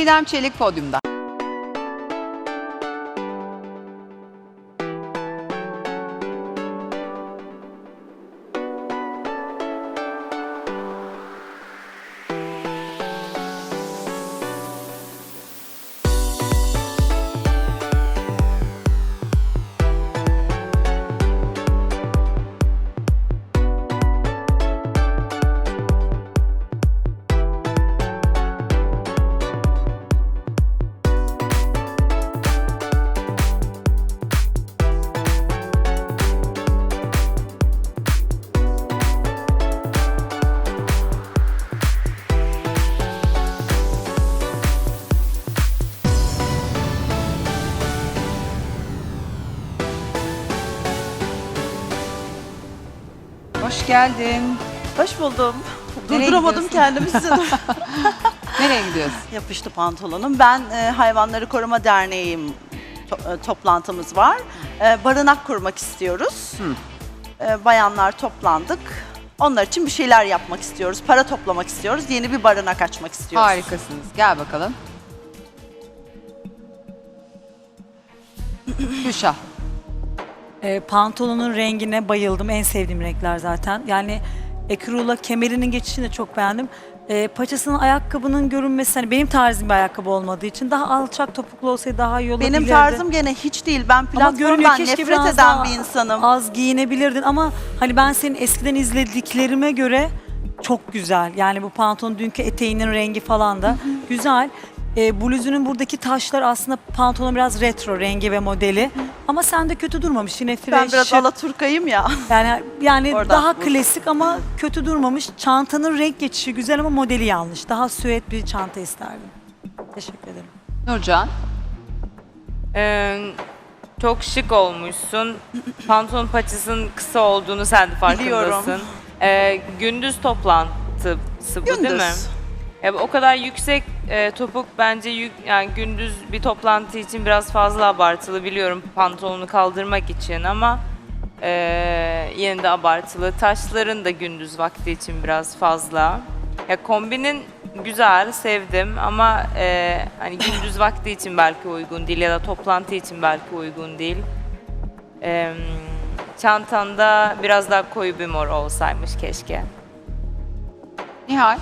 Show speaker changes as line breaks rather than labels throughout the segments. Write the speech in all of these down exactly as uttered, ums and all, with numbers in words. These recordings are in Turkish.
Çiğdem Çelik podyumda. Hoş geldin.
Hoş buldum.
Nereye
Durduramadım kendimi size.
Nereye gidiyorsun?
Yapıştı pantolonum. Ben e, Hayvanları Koruma Derneği'yim. To- e, toplantımız var. E, barınak kurmak istiyoruz. E, bayanlar toplandık. Onlar için bir şeyler yapmak istiyoruz. Para toplamak istiyoruz. Yeni bir barınak açmak istiyoruz.
Harikasınız. Gel bakalım. Gülşah.
E, pantolonun rengine bayıldım. En sevdiğim renkler zaten. Yani ekrula kemerinin geçişini de çok beğendim. E, paçasının, ayakkabının görünmesi, hani benim tarzım bir ayakkabı olmadığı için daha alçak topuklu olsaydı daha iyi olabilirdi.
Benim tarzım gene hiç değil. Ben
Ama görünüyor,
platformdan
keşke
nefret
biraz
eden
daha
bir insanım.
az giyinebilirdin ama hani ben senin eskiden izlediklerime göre çok güzel. Yani bu pantolon, dünkü eteğinin rengi falan da güzel. E, bluzunun buradaki taşlar aslında pantolonun biraz retro rengi ve modeli. Ama sende kötü durmamış. Yine fresh.
Ben biraz alaturkayım ya.
Yani yani
Oradan
daha
bu.
klasik ama kötü durmamış. Çantanın renk geçişi güzel ama modeli yanlış. Daha süet bir çanta isterdim. Teşekkür ederim.
Nurcan.
Ee, çok şık olmuşsun. Pantolon paçasının kısa olduğunu sen de farkındasın.
Biliyorum.
Ee, gündüz toplantısı bu değil mi?
Gündüz.
Ya, o kadar yüksek e, topuk bence yük, yani gündüz bir toplantı için biraz fazla abartılı, biliyorum pantolonu kaldırmak için ama e, yine de abartılı. Taşların da gündüz vakti için biraz fazla. Ya kombinin güzel, sevdim ama e, hani gündüz vakti için belki uygun değil ya da toplantı için belki uygun değil. E, çantanda biraz daha koyu bir mor olsaymış keşke.
Nihal.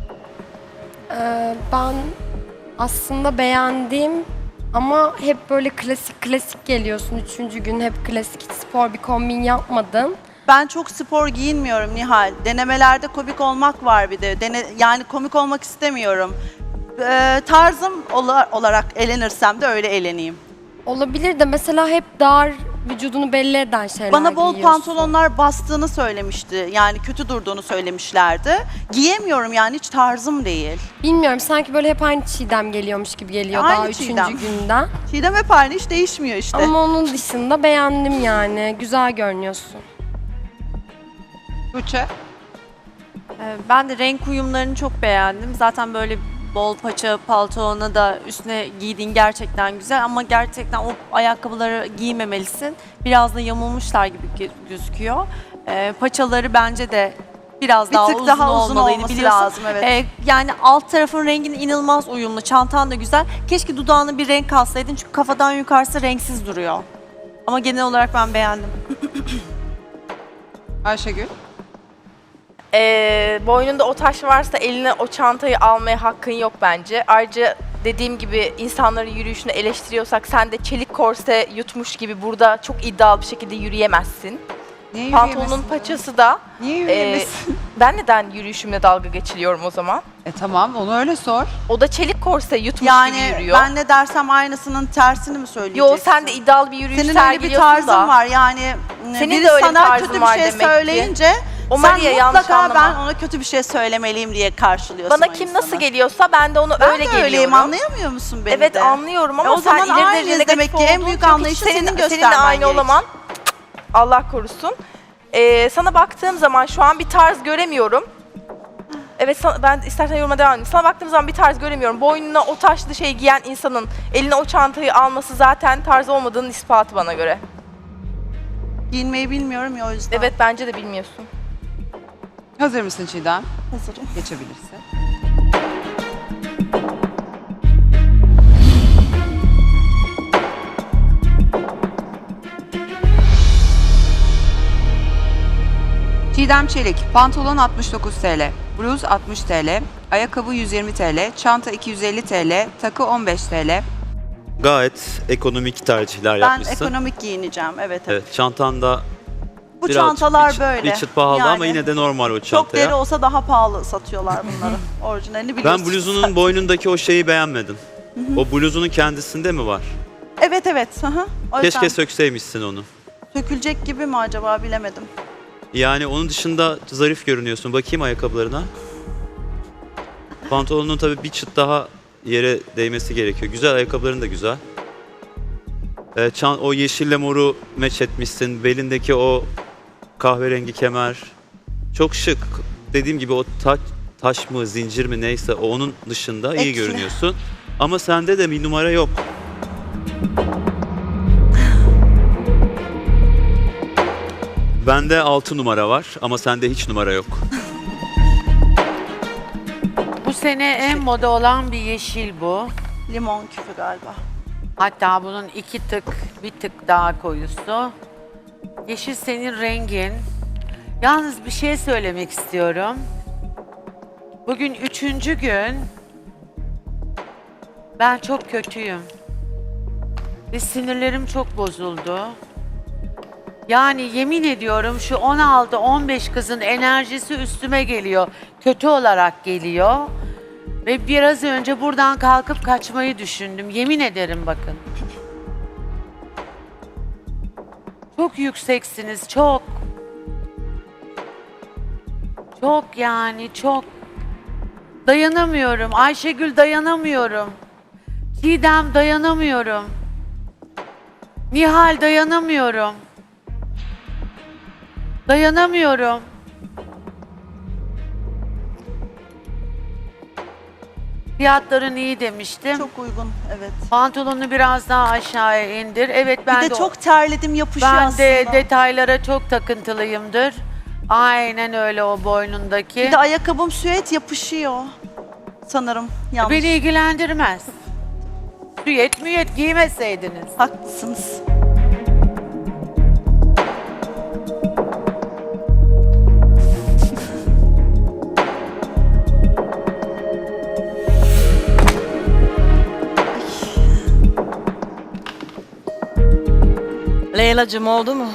Ee, ben aslında beğendim ama hep böyle klasik klasik geliyorsun. Üçüncü gün hep klasik, hiç spor bir kombin yapmadın.
Ben çok spor giyinmiyorum Nihal. Denemelerde komik olmak var bir de. Dene, yani komik olmak istemiyorum. Ee, tarzım ola- olarak elenirsem de öyle eleneyim.
Olabilir de mesela hep dar, vücudunu belli eden şeyler
Bana bol
giyiyorsun.
pantolonlar bastığını söylemişti. Yani kötü durduğunu söylemişlerdi. Giyemiyorum yani, hiç tarzım değil.
Bilmiyorum, sanki böyle hep aynı Çiğdem geliyormuş gibi geliyor
Aynı
daha üçüncü
Çiğdem.
günden.
Çiğdem hep aynı, hiç değişmiyor işte.
Ama onun dışında beğendim yani. Güzel görünüyorsun.
Tuğçe.
Ee, Ben de renk uyumlarını çok beğendim. Zaten böyle bol paça pantolona da üstüne giydiğin gerçekten güzel ama gerçekten o ayakkabıları giymemelisin. Biraz da yamulmuşlar gibi gö- gözüküyor. Ee, paçaları bence de biraz
Bir
daha
tık
uzun
daha uzun
olmalıydı,
olması
biliyorsun.
lazım, evet.
Ee, yani alt tarafın rengin inanılmaz uyumlu, çantan da güzel. Keşke dudağına bir renk alsaydın çünkü kafadan yukarısı renksiz duruyor. Ama genel olarak ben beğendim.
Ayşegül.
Ee, boynunda o taş varsa eline o çantayı almaya hakkın yok bence. Ayrıca dediğim gibi insanların yürüyüşünü eleştiriyorsak sen de çelik korse yutmuş gibi burada çok iddialı bir şekilde yürüyemezsin.
Niye
Pantolonun
yürüyemesin?
paçası da
Niye
e,
yürüyemesin?
ben neden yürüyüşümle dalga geçiliyorum o zaman?
E tamam, onu öyle sor.
O da çelik korse yutmuş gibi
Yani
yürüyor.
ben ne dersem aynısının tersini mi söyleyeceksin?
Yo, sen de iddialı bir yürüyüş
Senin öyle bir
sergiliyorsun
tarzın
da.
var yani.
Senin
biri
de öyle bir
sana
tarzın
kötü bir
var
şey
demek ki.
söyleyince
O
sen
Maria, yanlış
mutlaka
anlama.
ben ona kötü bir şey söylemeliyim diye karşılıyorsun
Bana
o
kim
insanı.
nasıl geliyorsa ben de onu
Ben
öyle
de
geliyorum.
öyleyim, anlayamıyor musun beni
Evet
de?
anlıyorum ama
E o
sen
zaman
ileri
aynıyız
derecede
demek ki,
negatif
en büyük
olduğun
anlayışı
için
senin
Seninle
göstermen
aynı
gerek.
olamam. Allah korusun. Ee, sana baktığım zaman şu an bir tarz göremiyorum. Evet, sana, ben istersen yoruma devam edeyim. Sana baktığım zaman bir tarz göremiyorum. Boynuna o taşlı şey giyen insanın eline o çantayı alması zaten tarz olmadığının ispatı bana göre.
Giyinmeyi bilmiyorum ya, o yüzden.
Evet, bence de bilmiyorsun.
Hazır mısın Çiğdem?
Hazırım.
Geçebilirsin. Çiğdem Çelik, pantolon altmış dokuz TL, bluz altmış TL, ayakkabı yüz yirmi TL, çanta iki yüz elli TL, takı on beş TL.
Gayet ekonomik tercihler
Ben
yapmışsın.
ekonomik giyineceğim. Evet, evet.
Evet, çantanda
Bu
birazcık
çantalar
bir çıt,
böyle.
bir çıt pahalı ama
Yani
yine de normal o
çok
çantaya.
deri olsa daha pahalı satıyorlar bunları. Orijinalini biliyorsunuz.
Ben bluzunun boynundaki o şeyi beğenmedim. O bluzunun kendisinde mi var?
Evet, evet. Hı hı. O yüzden
Keşke sökseymişsin onu.
sökülecek gibi mi acaba bilemedim.
Yani onun dışında zarif görünüyorsun. Bakayım ayakkabılarına. Pantolonun tabii bir çıt daha yere değmesi gerekiyor. Güzel, ayakkabıların da güzel. Ee, çan, o yeşille moru meç etmişsin. Belindeki o kahverengi kemer. Çok şık. Dediğim gibi o taç, taş mı, zincir mi neyse o onun dışında iyi
Ekli.
görünüyorsun. Ama sende de bir numara yok. Bende altı numara var ama sende hiç numara yok.
Bu sene en moda olan bir yeşil bu.
Limon küfü galiba.
Hatta bunun iki tık, bir tık daha koyusu. Yeşil senin rengin. Yalnız bir şey söylemek istiyorum. Bugün üçüncü gün. Ben çok kötüyüm. Ve sinirlerim çok bozuldu. Yani yemin ediyorum şu on altı on beş kızın enerjisi üstüme geliyor. Kötü olarak geliyor. Ve biraz önce buradan kalkıp kaçmayı düşündüm. Yemin ederim bakın. Çok yükseksiniz, çok. Çok yani, çok. Dayanamıyorum. Ayşegül dayanamıyorum. Çiğdem dayanamıyorum. Nihal dayanamıyorum. Dayanamıyorum. Fiyatların iyi demiştim.
Çok uygun, evet.
Pantolonu biraz daha aşağıya indir. Evet ben
Bir de
o-
çok terledim, yapışıyor
ben
aslında.
de detaylara çok takıntılıyımdır. Aynen öyle o boynundaki.
Bir de ayakkabım süet yapışıyor. Sanırım yanlış.
Beni ilgilendirmez. Süet müyet giymeseydiniz.
Haklısınız.
Leyla'cığım oldu mu?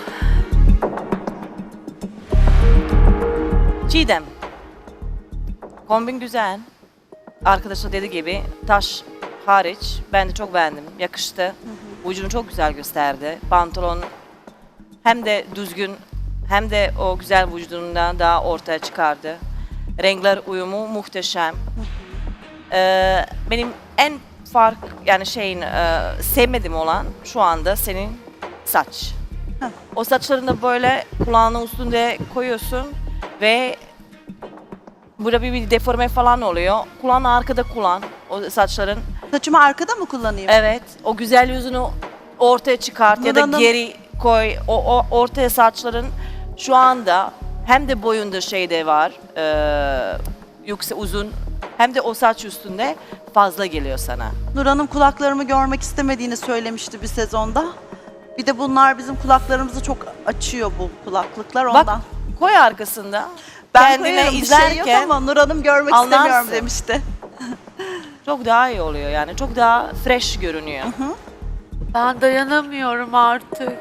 Çiğdem. Kombin güzel. Arkadaşlar dediği gibi taş hariç ben de çok beğendim. Yakıştı. Vücudunu çok güzel gösterdi. Pantolon hem de düzgün hem de o güzel vücudundan daha ortaya çıkardı. Renkler uyumu muhteşem. Ee, benim en fark yani şeyin e, sevmediğim olan şu anda senin saç.
Heh.
O saçlarını da böyle kulağının üstünde koyuyorsun ve burada bir, bir deforme falan oluyor. Kulağını arkada kullan o saçların.
Saçımı arkada mı kullanayım?
Evet, o güzel yüzünü ortaya çıkart ya da
Nurhan'ım-
geri koy. O, o ortaya saçların şu anda hem de boyunda şey de var, e, yüksek uzun hem de o saç üstünde fazla geliyor sana.
Nur Hanım kulaklarımı görmek istemediğini söylemişti bir sezonda. Bir de bunlar bizim kulaklarımızı çok açıyor bu kulaklıklar ondan.
Bak koy arkasında.
ben
kendine
koyarım, bir şey yok
izlerken
ama Nur Hanım görmek
anlarsın.
istemiyorum demişti.
çok daha iyi oluyor yani. Çok daha fresh görünüyor.
Ben dayanamıyorum artık.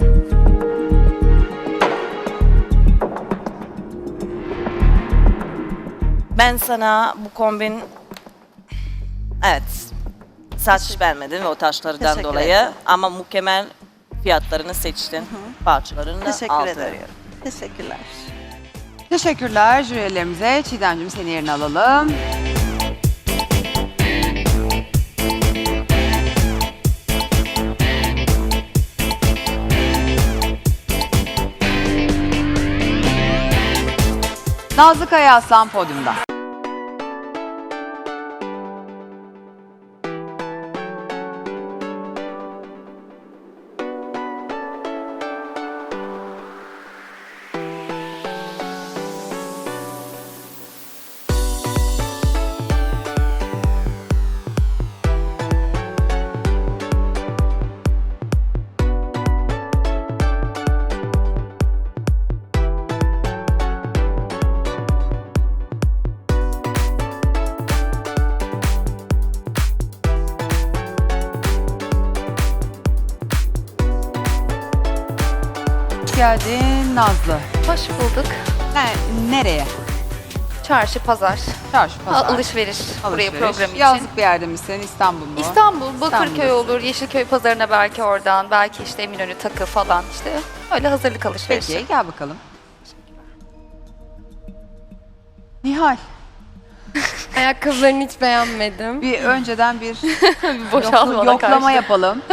Ben sana bu kombin evet saç beğenmedim ve o taşlardan
Teşekkür
dolayı
ederim.
ama mükemmel fiyatlarını seçtin. Parçalarını da
Teşekkür
altı
ederim.
veriyorum.
Teşekkürler.
Teşekkürler jürilerimize. Çiğdemciğim seni yerine alalım. Nazlı Kaya Aslan podyumda. geldin Nazlı.
Hoş bulduk.
Ne, nereye?
Çarşı, pazar,
Çarşı, pazar.
alışveriş, buraya
alışveriş.
program için.
Yazlık bir yerde misin? İstanbul mu?
İstanbul, Bakırköy
İstanbul'dasın.
olur, Yeşilköy pazarına belki oradan, belki işte Eminönü takı falan işte. Öyle hazırlık alışverişi.
Peki gel bakalım. Nihal,
Ayakkabılarını hiç beğenmedim.
bir önceden bir
Bir boşalmana
yoklama
karşı.
yapalım.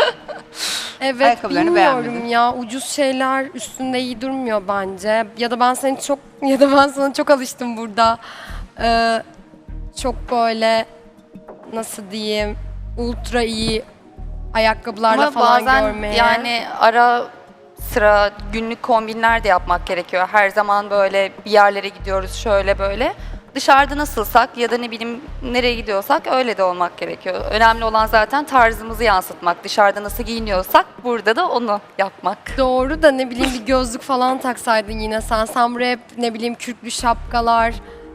Evet,
Ayakkabılarını
bilmiyorum
beğenmedin.
ya. Ucuz şeyler üstünde iyi durmuyor bence. Ya da ben seni çok ya da ben sana çok alıştım burada. Ee, çok böyle nasıl diyeyim ultra iyi ayakkabılarla
Ama
falan
bazen
görmeye.
yani ara sıra günlük kombinler de yapmak gerekiyor. Her zaman böyle bir yerlere gidiyoruz şöyle böyle. Dışarıda nasılsak ya da ne bileyim nereye gidiyorsak öyle de olmak gerekiyor. Önemli olan zaten tarzımızı yansıtmak. Dışarıda nasıl giyiniyorsak burada da onu yapmak.
Doğru da ne bileyim bir gözlük falan taksaydın yine sen. Sen buraya hep ne bileyim kürklü şapkalar,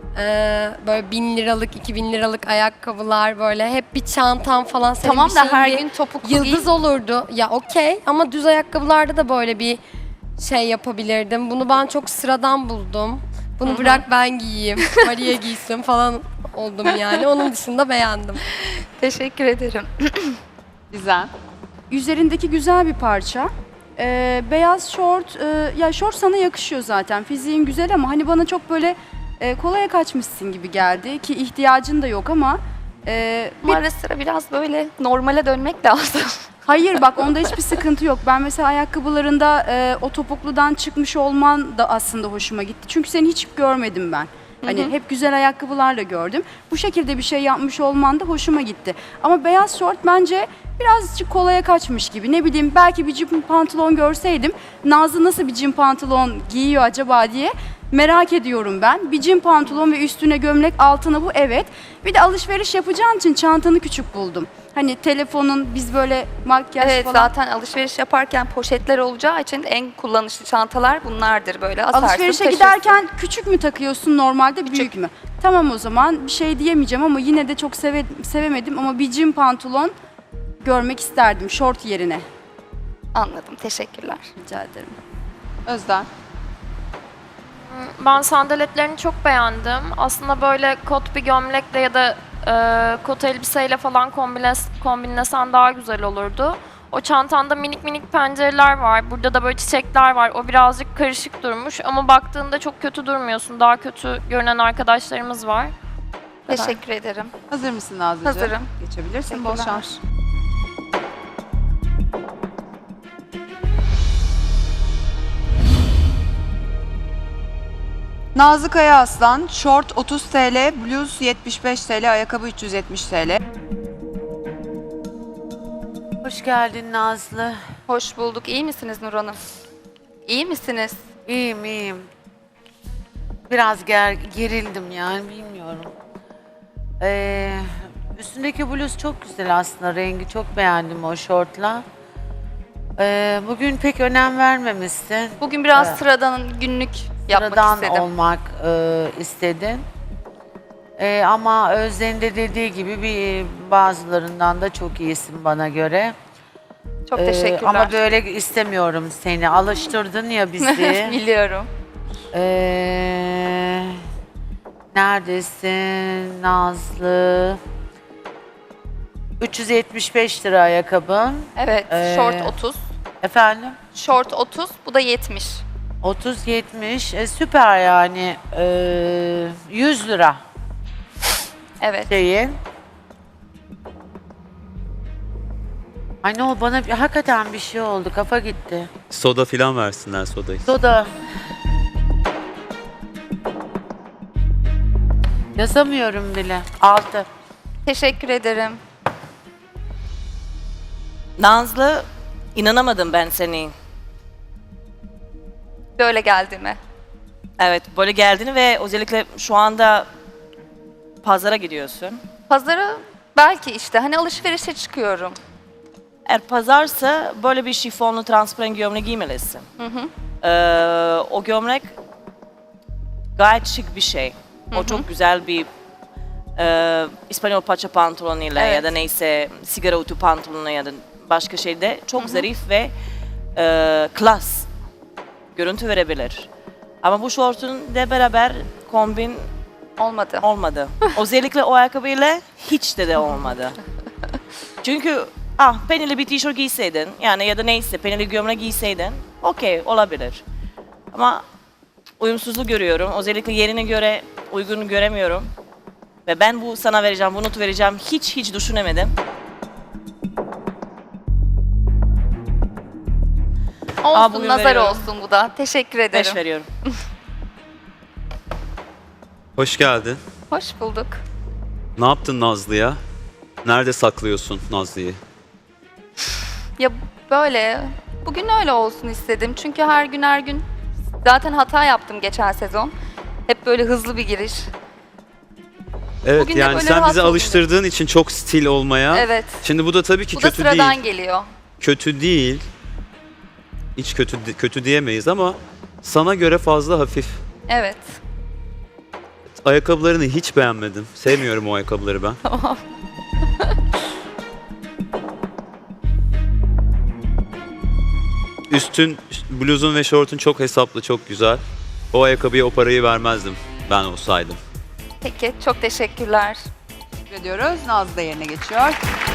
e, böyle bin liralık, iki bin liralık ayakkabılar böyle hep bir çantan falan. Senin
Tamam
bir
da
şeyin
her
bir
gün topuklu giy.
yıldız olurdu. Ya okey ama düz ayakkabılarda da böyle bir şey yapabilirdim. Bunu ben çok sıradan buldum. Bunu bırak ben giyeyim, Maria giysin falan oldum yani. Onun dışında beğendim.
Teşekkür ederim.
Gizem.
Üzerindeki güzel bir parça. Ee, beyaz şort, e, ya şort sana yakışıyor zaten. Fiziğin güzel ama hani bana çok böyle e, kolaya kaçmışsın gibi geldi ki ihtiyacın da yok ama e, bir-
Ama ara sıra biraz böyle normale dönmek lazım.
hayır bak onda hiçbir sıkıntı yok. Ben mesela ayakkabılarında e, o topukludan çıkmış olman da aslında hoşuma gitti. Çünkü seni hiç görmedim ben. Hani hep güzel ayakkabılarla gördüm. Bu şekilde bir şey yapmış olman da hoşuma gitti. Ama beyaz şort bence birazcık kolaya kaçmış gibi. Ne bileyim belki bir cim pantolon görseydim Nazlı nasıl bir cim pantolon giyiyor acaba diye merak ediyorum ben. Bir cim pantolon ve üstüne gömlek altına bu evet. Bir de alışveriş yapacağın için çantanı küçük buldum. Hani telefonun biz böyle makyaj
Evet
falan.
zaten alışveriş yaparken poşetler olacağı için en kullanışlı çantalar bunlardır böyle asarsın
Alışverişe
taşırsın.
giderken küçük mü takıyorsun normalde büyük mü? Tamam o zaman bir şey diyemeyeceğim ama yine de çok seve, sevemedim ama bir cim pantolon görmek isterdim şort yerine.
Anladım teşekkürler.
Rica ederim.
Özden.
Ben sandaletlerini çok beğendim. Aslında böyle kot bir gömlekle ya da e, kot elbiseyle falan kombines, kombinlesen daha güzel olurdu. O çantanda minik minik pencereler var. Burada da böyle çiçekler var. O birazcık karışık durmuş ama baktığında çok kötü durmuyorsun. Daha kötü görünen arkadaşlarımız var. Bu kadar.
Teşekkür ederim.
Hazır mısın Nazlıcığım?
Hazırım.
Geçebilirsin. Bol
Teşekkürler.
şans. Nazlı Kaya Aslan, şort otuz TL, bluz yetmiş beş TL, ayakkabı üç yüz yetmiş TL.
Hoş geldin Nazlı.
Hoş bulduk. İyi misiniz Nur Hanım? İyi misiniz?
İyiyim iyiyim. Biraz ger gerildim yani bilmiyorum. Ee, üstündeki bluz çok güzel aslında. Rengi çok beğendim o şortla. Ee, bugün pek önem vermemişsin.
Bugün biraz
Evet.
sıradan günlük yapmak
Sıradan
istedim.
olmak e, istedin. E, ama Özden'in de dediği gibi bir bazılarından da çok iyisin bana göre.
Çok
E,
teşekkürler.
ama böyle istemiyorum seni. Alıştırdın ya bizi.
Biliyorum.
E, neredesin Nazlı? üç yüz yetmiş beş lira ayakkabın.
Evet,
Ee,
şort otuz.
Efendim?
Şort otuz, bu da yetmiş.
otuz yetmiş. E, süper yani. E, yüz lira.
Evet.
Şeyin. Ay ne oldu bana bir- hakikaten bir şey oldu kafa gitti.
Soda filan versinler sodayı.
Soda. Yazamıyorum bile. Altı.
Teşekkür ederim.
Nazlı, inanamadım ben seni.
Böyle geldiğime.
Evet, böyle geldiğini ve özellikle şu anda pazara gidiyorsun.
Pazara belki işte hani alışverişe çıkıyorum.
Eğer pazarsa böyle bir şifonlu transparan gömlek giymelisin.
Hı hı.
Ee, o gömlek gayet şık bir şey.
Hı
O
hı.
çok güzel bir e, İspanyol paça pantolonuyla
Evet.
ya da neyse sigara utu pantolonu ya da başka şeyde çok
Hı hı.
zarif ve e, klas görüntü verebilir. Ama bu şortun de beraber kombin
Olmadı.
olmadı. Özellikle o ayakkabıyla hiç de de olmadı. Çünkü ah penili bir tişört giyseydin yani ya da neyse penili gömlek giyseydin okey olabilir. Ama uyumsuzluğu görüyorum. Özellikle yerine göre uygun göremiyorum. Ve ben bu sana vereceğim, bunu vereceğim hiç hiç düşünemedim. Aa,
Olsun,
bugün
nazar
veriyorum.
olsun bu da. Teşekkür ederim.
Beş veriyorum.
Hoş geldin.
Hoş bulduk.
Ne yaptın Nazlı'ya? Nerede saklıyorsun Nazlı'yı?
Ya böyle, bugün öyle olsun istedim. Çünkü her gün her gün zaten hata yaptım geçen sezon. Hep böyle hızlı bir giriş.
Evet
Bugün de
yani
böyle
sen
rahat
bizi
oldum.
alıştırdığın için çok stil olmaya.
Evet.
Şimdi bu da tabii ki
Bu da
kötü
sıradan
değil.
geliyor.
Kötü değil. Hiç kötü kötü diyemeyiz ama sana göre fazla hafif.
Evet.
Ayakkabılarını hiç beğenmedim. Sevmiyorum o ayakkabıları ben.
Tamam.
Üstün, bluzun ve şortun çok hesaplı, çok güzel. O ayakkabıya o parayı vermezdim ben olsaydım.
Peki, çok teşekkürler.
Teşekkür ediyoruz. Nazlı da yerine geçiyor.